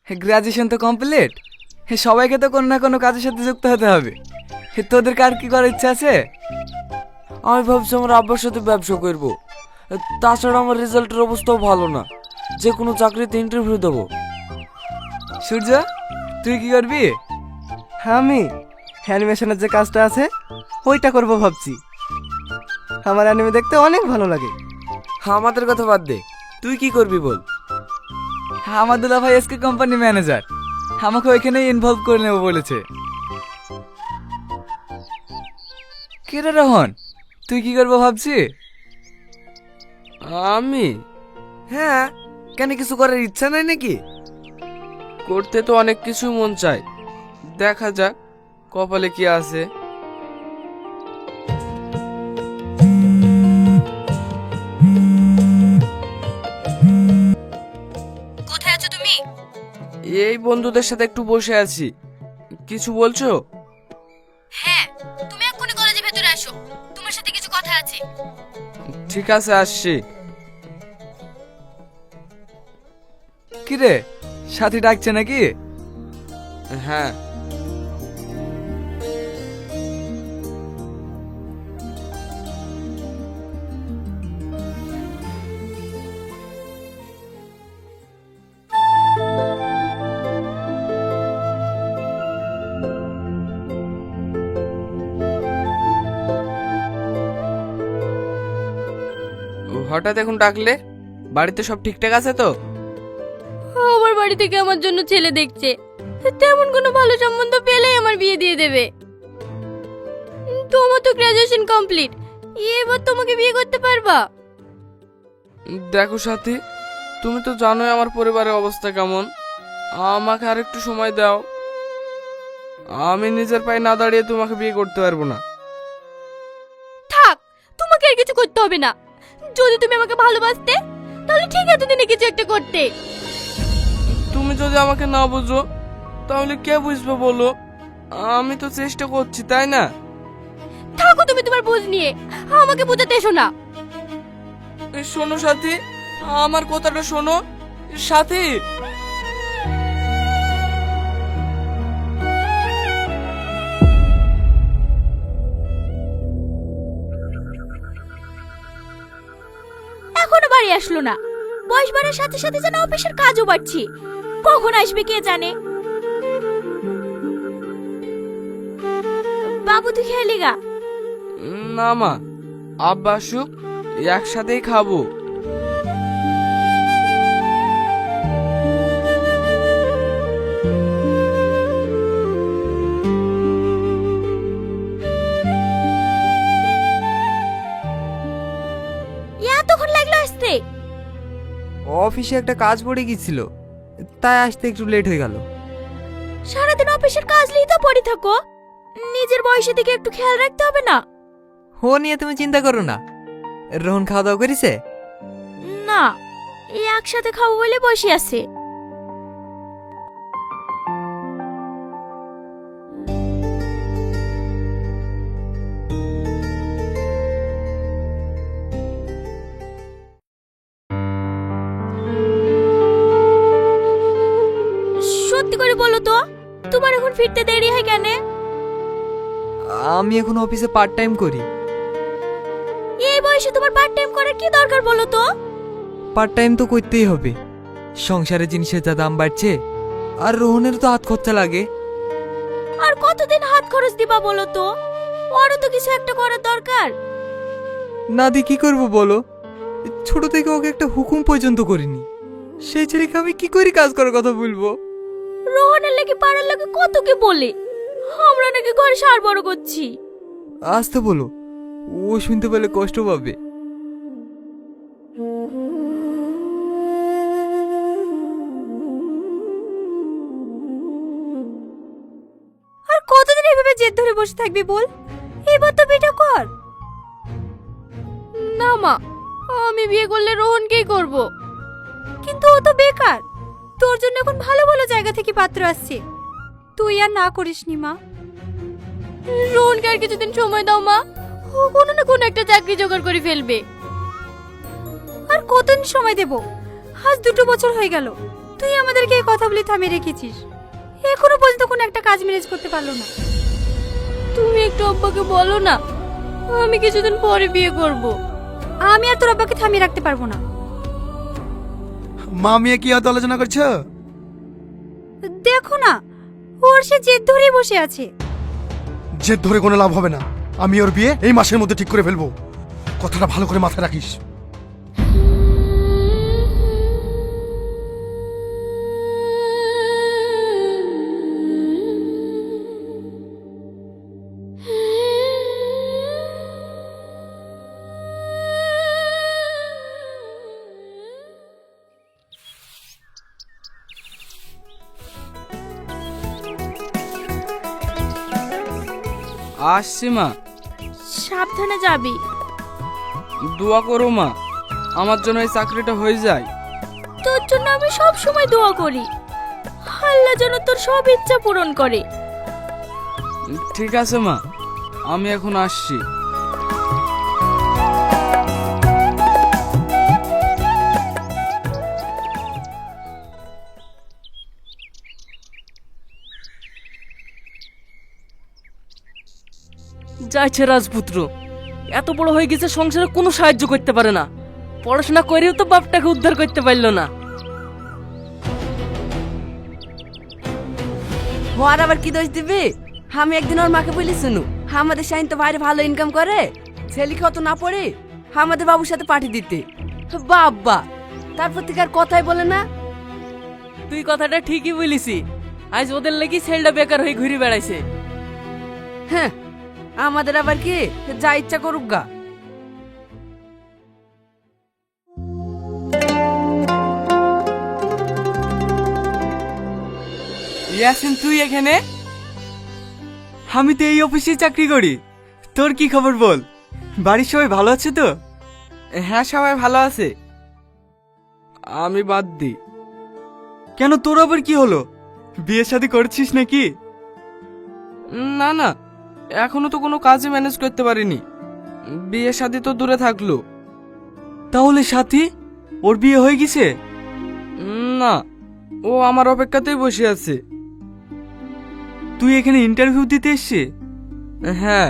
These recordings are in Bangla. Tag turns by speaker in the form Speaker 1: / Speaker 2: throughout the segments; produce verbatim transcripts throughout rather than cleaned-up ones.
Speaker 1: গ্রাজুয়েশন তো কমপ্লিট, সবাইকে তো কোনো না কোনো কাজের সাথে যুক্ত হতে হবে। তোদের কার কি করার ইচ্ছা আছে?
Speaker 2: আমি ভাবছি আমার আব্বার সাথে ব্যবসা করব। তাছাড়া আমার রেজাল্টের অবস্থাও ভালো না, যে কোনো চাকরিতে ইন্টারভিউ দেবো।
Speaker 1: সূর্য, তুই কি করবি?
Speaker 3: আমি অ্যানিমেশনের যে কাজটা আছে ওইটা করব ভাবছি। আমার অ্যানিমে দেখতে অনেক ভালো লাগে।
Speaker 2: আমাদের কথা বাদ দে, তুই কি করবি বল।
Speaker 1: আমার দুলা ভাই এসকে কোম্পানি ম্যানেজার, আমাকে ওইখানেই ইনভলভ করে নেবো বলেছে। কে রে রোহন, তুই কি করবো ভাবছি?
Speaker 2: আমি? হ্যাঁ, কেন কিছু করার ইচ্ছা নাই নাকি? করতে তো অনেক কিছু মন চায়, দেখা যাক কপালে কি আছে।
Speaker 4: কোথায় আছো তুমি?
Speaker 2: এই বন্ধুদের সাথে একটু বসে আছি। কিছু বলছো?
Speaker 4: হ্যাঁ, তুমি এক্ষুনি কলেজের ভেতরে আসো, তোমার সাথে কিছু কথা আছে।
Speaker 2: ঠিক আছে, আসছি।
Speaker 1: কি রে, সাথী ডাকছে নাকি?
Speaker 2: হ্যাঁ। হঠাৎ এখন ডাকলে? বাড়িতে সব ঠিকঠাক আছে তো?
Speaker 4: আমার বাড়ি থেকে আমার জন্য ছেলে দেখছে, তেমন কোনো ভালো সম্বন্ধ পেলেই আমার বিয়ে দিয়ে দেবে। তোমার তো গ্রাজুয়েশন কমপ্লিট, এবার তোমাকে বিয়ে করতে পারবা?
Speaker 2: দেখো সাথী, তুমি তো জানোই আমার পরিবারের অবস্থা কেমন। আমাকে আর একটু সময় দাও। আমি নিজের পায়ে না দাঁড়িয়ে তোমাকে বিয়ে করতে পারবো না।
Speaker 4: থাক, তোমাকে আর কিছু করতে হবে না। যদি তুমি আমাকে ভালোবাসতে তাহলে ঠিক আছে, দিনে কিছু একটা করতে।
Speaker 2: তুমি যদি আমাকে না বুঝো তাহলে কে বুঝবে বলো? আমি তো চেষ্টা করছি, তাই না?
Speaker 4: থাকো তুমি তোমার বুঝ নিয়ে, আমাকে বোঝাতে এসো না।
Speaker 2: এই শোনো সাথী, আমার কথাটা শোনো। সাথী,
Speaker 4: এখনো বাড়ি আসলো না। বয়স বাড়ার সাথে সাথে যেন অফিসের কাজও বাড়ছে, কখন আসবে কে জানে। বাবু তুই খেয়ালি গা।
Speaker 2: না মা, আব্বা আসুক, একসাথেই খাবো।
Speaker 4: এতক্ষণ লাগলো আসতে?
Speaker 3: অফিসে একটা কাজ পড়ে গিয়েছিল, তাই আসতে একটু লেট হয়ে গেল।
Speaker 4: সারাদিন অফিসের কাজ নিয়ে তো পড়ে থাকো, নিজের বয়সের দিকে একটু খেয়াল রাখতে হবে না?
Speaker 3: ও নিয়ে তুমি চিন্তা করো না। রোহন খাওয়া দাওয়া করেছে?
Speaker 4: না, এই একসাথে খাবো বলে বসে আছে। সত্যি করে বলো তো, তোমার এখন ফিরতে দেরি হয় কেন?
Speaker 3: আমি এখন অফিসে পার্ট টাইম করি।
Speaker 4: এই বয়সে তোমার পার্ট টাইম করার কি দরকার বলো তো?
Speaker 3: পার্ট টাইম তো করতেই হবে, সংসারে জিনিসের যা দাম বাড়ছে, আর রোহনের তো হাত খরচা লাগে।
Speaker 4: আর কতদিন হাত খরচ দিবা বলো তো? ওরও তো কিছু একটা করার দরকার।
Speaker 3: না দি কি করবো বলো? ছোট থেকে ওকে একটা হুকুম পর্যন্ত করিনি, সেই ছেলেকে আমি কি করে কাজ করার কথা বলবো?
Speaker 4: রোহনের লেগে পাড়ার লোকে কত কি বলে, আমরা নাকি ঘরে সার বড় করছি।
Speaker 3: আসতে বলো, ও শুনতে পেলে কষ্ট পাবে।
Speaker 4: আর কতদিন এভাবে জেদ ধরে বসে থাকবি বল? এবার তো বিটা কর। না মা, আমি বিয়ে করলে রোহনকেই করব। কিন্তু ও তো বেকার, তোর জন্য এখন ভালো ভালো জায়গা থেকে পাত্র আসছে, তুই আর না করিস নি মা। রোহনকে আর কিছুদিন সময় দাও মা, ও কোনো না কোনো একটা চাকরি জোগাড় করে ফেলবে। আর কতদিন সময় দেব? আজ দুটো বছর হয়ে গেল, তুই আমাদেরকে এই কথা বলে থামিয়ে রেখেছিস, এখনো পর্যন্ত কোনো একটা কাজ ম্যানেজ করতে পারলো না। তুমি একটু আব্বাকে বলো না, আমি কিছুদিন পরে বিয়ে করব। আমি আর তোর আব্বাকে থামিয়ে রাখতে পারবো না।
Speaker 5: মা মেয়ে কি হয়তো আলোচনা করছো?
Speaker 4: দেখো না, ওর সে জেদ ধরেই বসে আছে।
Speaker 5: জেদ ধরে কোনো লাভ হবে না। আমি ওর বিয়ে এই মাসের মধ্যে ঠিক করে ফেলবো। কথাটা ভালো করে মাথায় রাখিস।
Speaker 2: আসছি মা।
Speaker 4: সাবধানে যাবি।
Speaker 2: দোয়া করো মা, আমার জন্য এই চাকরিটা হয়ে যায়।
Speaker 4: তোর জন্য আমি সব সময় দোয়া করি, আল্লাহ যেন তোর সব ইচ্ছা পূরণ করে।
Speaker 2: ঠিক আছে মা, আমি এখন আসছি।
Speaker 6: যাইছে রাজপুত্র, এত বড় হয়ে গেছে সংসারে কোনো সাহায্য করতে পারে না, পড়াশোনা করেও তো বাপটাকে উদ্ধার করতে পারলো না।
Speaker 7: ওর আবার কি দোষ দিবি? আমি একদিন ওর মাকে বলি, শুনু আমাদের শাহিন তো বাইরে ভালো ইনকাম করে, ছেলেকে অত না পড়ে আমাদের বাবুর সাথে পাঠিয়ে দিতে। বাবা তারপর থেকে আর কথাই বলে না।
Speaker 6: তুই কথাটা ঠিকই বলিসি, আজ ওদের লাগি ছেলেটা বেকার হয়ে ঘুরে বেড়াইছে।
Speaker 7: হ্যাঁ, আমাদের আবার কি যা ইচ্ছা করুক গা।
Speaker 1: ইয়াসিন, তুই এখানে? আমি তো এই অফিসে চাকরি করি। তোর কি খবর বল? বাড়ির সবাই ভালো আছে তো?
Speaker 2: হ্যাঁ, সবাই ভালো আছে। আমি বাদ দিই।
Speaker 1: কেন, তোর আবার কি হলো? বিয়ে শাদী করছিস নাকি?
Speaker 2: না না, এখনো তো কোনো কাজই ম্যানেজ করতে পারিনি। বিয়ে শাদী তো দূরে থাকলো।
Speaker 1: তাহলে সাথী, ওর বিয়ে হয়ে গেছে?
Speaker 2: না, ও আমার অপেক্ষাতেই বসে আছে।
Speaker 1: তুই এখানে ইন্টারভিউ দিতে এসছি?
Speaker 2: হ্যাঁ।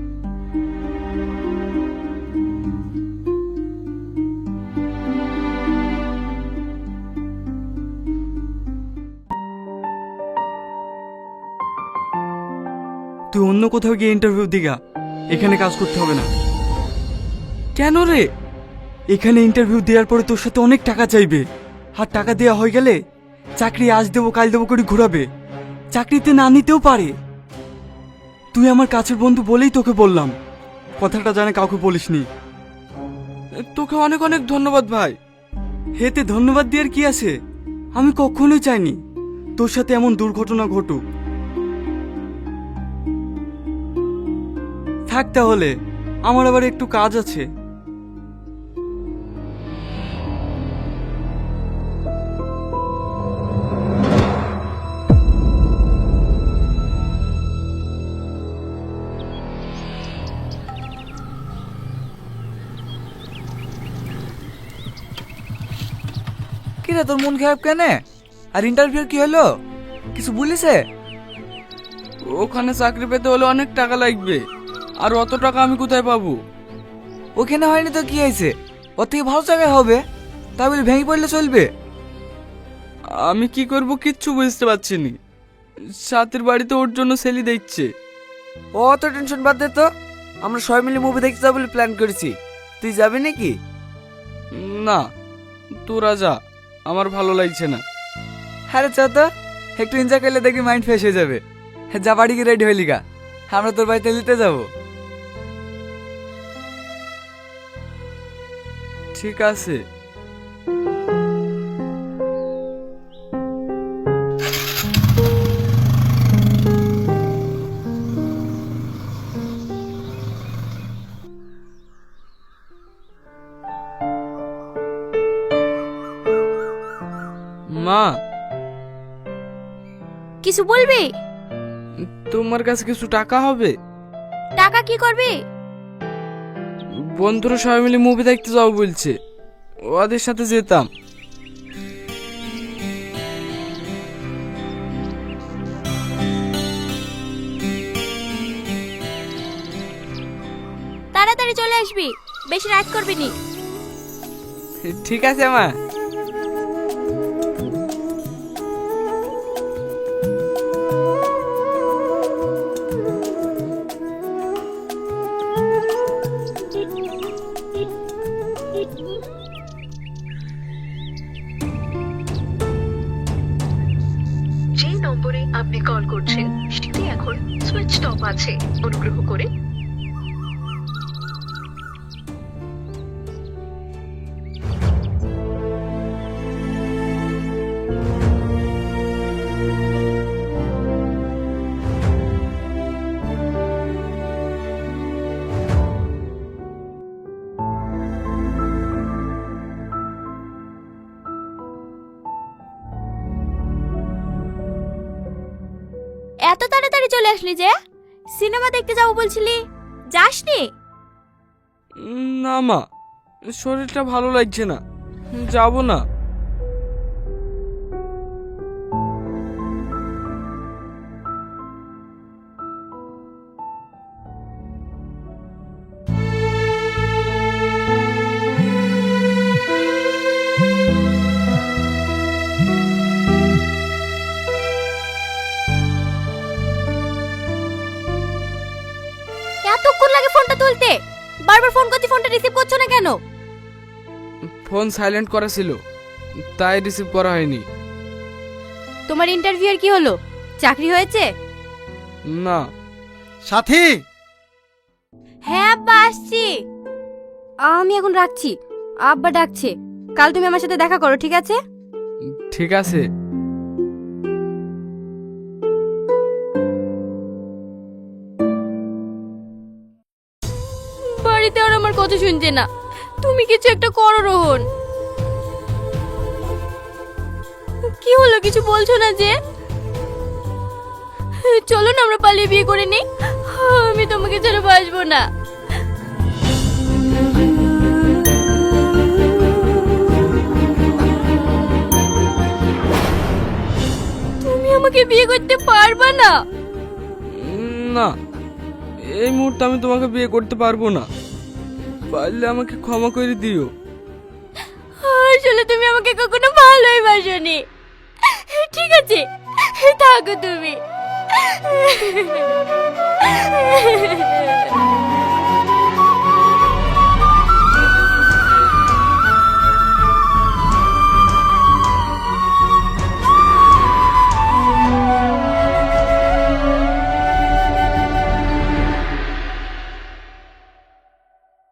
Speaker 1: তুই অন্য কোথাও গিয়ে ইন্টারভিউ দিগা, এখানে কাজ করতে হবে না।
Speaker 2: কেন রে?
Speaker 1: এখানে ইন্টারভিউ দেওয়ার পরে তোর সাথে অনেক টাকা চাইবে, আর টাকা দেওয়া হয়ে গেলে চাকরি আজ দেবো কাল দেবো করে ঘোরাবে, চাকরিতে না নিতেও পারে। তুই আমার কাছের বন্ধু বলেই তোকে বললাম, কথাটা জানে কাউকে বলিসনি।
Speaker 2: তোকে অনেক অনেক ধন্যবাদ ভাই।
Speaker 1: হেতে ধন্যবাদ দেওয়ার কি আছে? আমি কখনোই চাইনি তোর সাথে এমন দুর্ঘটনা ঘটুক। থাক তাহলে, আমার আবার একটু কাজ আছে।
Speaker 3: কিরে, তোর মন খারাপ কেন? আর ইন্টারভিউ কি হলো, কিছু বলিছে?
Speaker 2: ওখানে চাকরি পেতে হলে অনেক টাকা লাগবে, আর অত টাকা আমি কোথায় পাবো?
Speaker 3: ওখানে হয়নি তো কি হয়েছে, ওর থেকে ভালো জায়গায় হবে। তাই বলে ভেঙে পড়লে চলবে?
Speaker 2: আমি কি করব কিচ্ছু বুঝতে পারছি নি। সাথের বাড়িতে ওর জন্য ছেলে দেখছে।
Speaker 3: ও অত টেনশন বাদ দে তো, আমরা সবাই মিলে মুভি দেখতে যাবো বলে প্ল্যান করেছি। তুই যাবি নাকি?
Speaker 2: না, তোরা যা, আমার ভালো লাগছে না।
Speaker 3: হ্যাঁ রে, চা তো, একটু এনজয় করলে দেখবি মাইন্ড ফ্রেশ হয়ে যাবে। যা, বাড়ি গিয়ে রেডি হইলি গা, আমরা তোর বাড়িতে নিতে যাবো।
Speaker 2: ঠিক আছে। মা,
Speaker 4: কিছু বলবি?
Speaker 2: তোমার কাছে কিছু টাকা হবে?
Speaker 4: টাকা কি করবি?
Speaker 2: বন্ধুরা সবাই মিলে মুভি দেখতে যাবো বলছে, ওদের সাথে যেতাম।
Speaker 4: তাড়াতাড়ি চলে আসবি, বেশি রাত করবি নি।
Speaker 2: ঠিক আছে মা।
Speaker 8: যে নম্বরে আপনি কল করছেন সেটি এখন সুইচ অফ আছে, অনুগ্রহ করে
Speaker 4: এত তাড়াতাড়ি চলে আসলি যে? সিনেমা দেখতে যাবো বলছিলি, যাসনি?
Speaker 2: না মা, শরীরটা ভালো লাগছে না, যাব না।
Speaker 4: এতক্ষণ লাগে ফোনটা তুলতে, বারবার ফোন করছি, ফোনটা রিসিভ করছো না কেন?
Speaker 2: ফোন সাইলেন্ট করা ছিল, তাই রিসিভ করা হয়নি।
Speaker 4: তোমার ইন্টারভিউ এর কি হলো? চাকরি হয়েছে?
Speaker 2: না।
Speaker 5: সাথী,
Speaker 4: হ্যাঁ আব্বা, আসছি। আমি এখন রাখছি, আব্বা ডাকছে। কাল তুমি আমার সাথে দেখা করো, ঠিক আছে?
Speaker 2: ঠিক আছে।
Speaker 4: বাড়িতে আর আমার কথা শুনছে না, তুমি কিছু একটা করো রোহন। কি হলো, কিছু বলছো না যে? চলো না আমরা পালিয়ে বিয়ে করে নিই, আমি তোমাকে ছেড়ে বাঁচবো না। তুমি আমাকে বিয়ে করতে পারবা না?
Speaker 2: না, এই মুহূর্তে আমি তোমাকে বিয়ে করতে পারবো না, পারলে আমাকে ক্ষমা করে দিও।
Speaker 4: আসলে তুমি আমাকে কখনো ভালোই বাসনি। ঠিক আছে, থাকো তুমি।